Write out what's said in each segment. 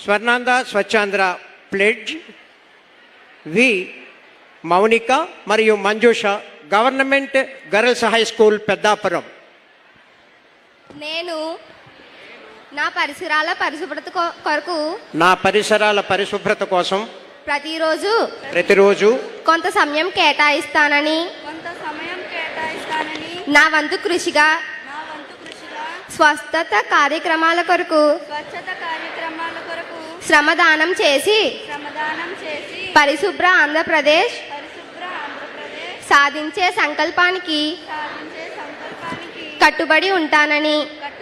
Swarnandhra Swachhandhra pledge we Mounika మరియు Manjusha, government girls high school Peddapuram. నేను నా పరిసరాల పరిశుభ్రత కోసం ప్రతిరోజు కొంత సమయం కేటాయిస్తానని నా వంతు కృషిగా స్వచ్ఛత కార్యక్రమాల కొరకు శ్రమదానం చేసి పరిశుభ్ర ఆంధ్రప్రదేశ్ సాధించే సంకల్పానికి కట్టుబడి ఉంటానని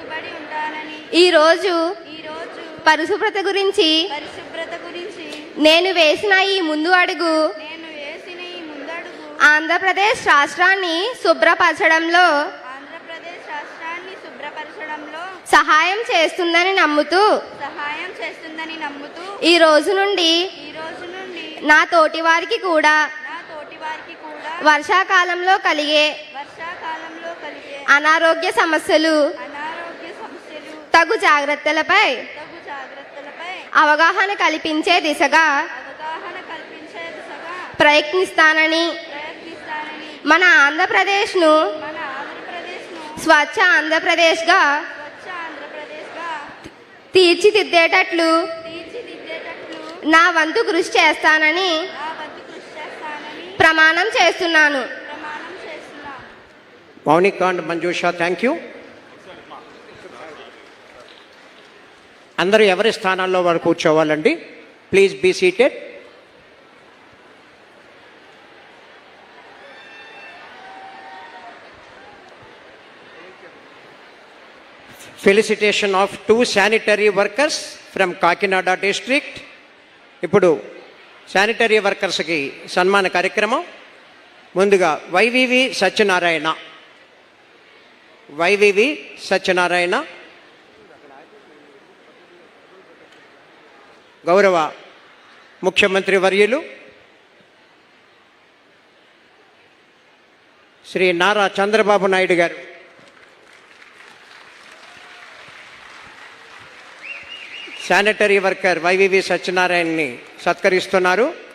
ఈరోజు పరిశుభ్రత గురించి నేను వేసిన ఈ ముందు అడుగు ఆంధ్రప్రదేశ్ రాష్ట్రాన్ని శుభ్రపరచడంలో సహాయం చేస్తుందని నమ్ముతూ ఈ రోజు నుండి నా తోటి వారికి కూడా వర్షాకాలంలో కలిగే అనారోగ్య సమస్యలు తగు జాగ్రత్తలపై అవగాహన కల్పించే దిశగా ప్రయత్నిస్తానని మన ఆంధ్రప్రదేశ్ను స్వచ్ఛ ఆంధ్రప్రదేశ్గా తీర్చిదిద్దేటట్లు నా వంతు కృషి చేస్తానని ప్రమాణం చేస్తున్నాను. Mounika and Manjusha, thank you. అందరూ ఎవరి స్థానాల్లో వారు కూర్చోవాలండి. Please be seated. Felicitation of 2 sanitary workers from Kakinada district. ఇప్పుడు శానిటరీ వర్కర్స్కి సన్మాన కార్యక్రమం. ముందుగా వైవివి సత్యనారాయణ, గౌరవ ముఖ్యమంత్రి వర్యులు Shri Nara Chandrababu Naidu garu sanitary worker Y V V సత్యనారాయణని సత్కరిస్తున్నారు.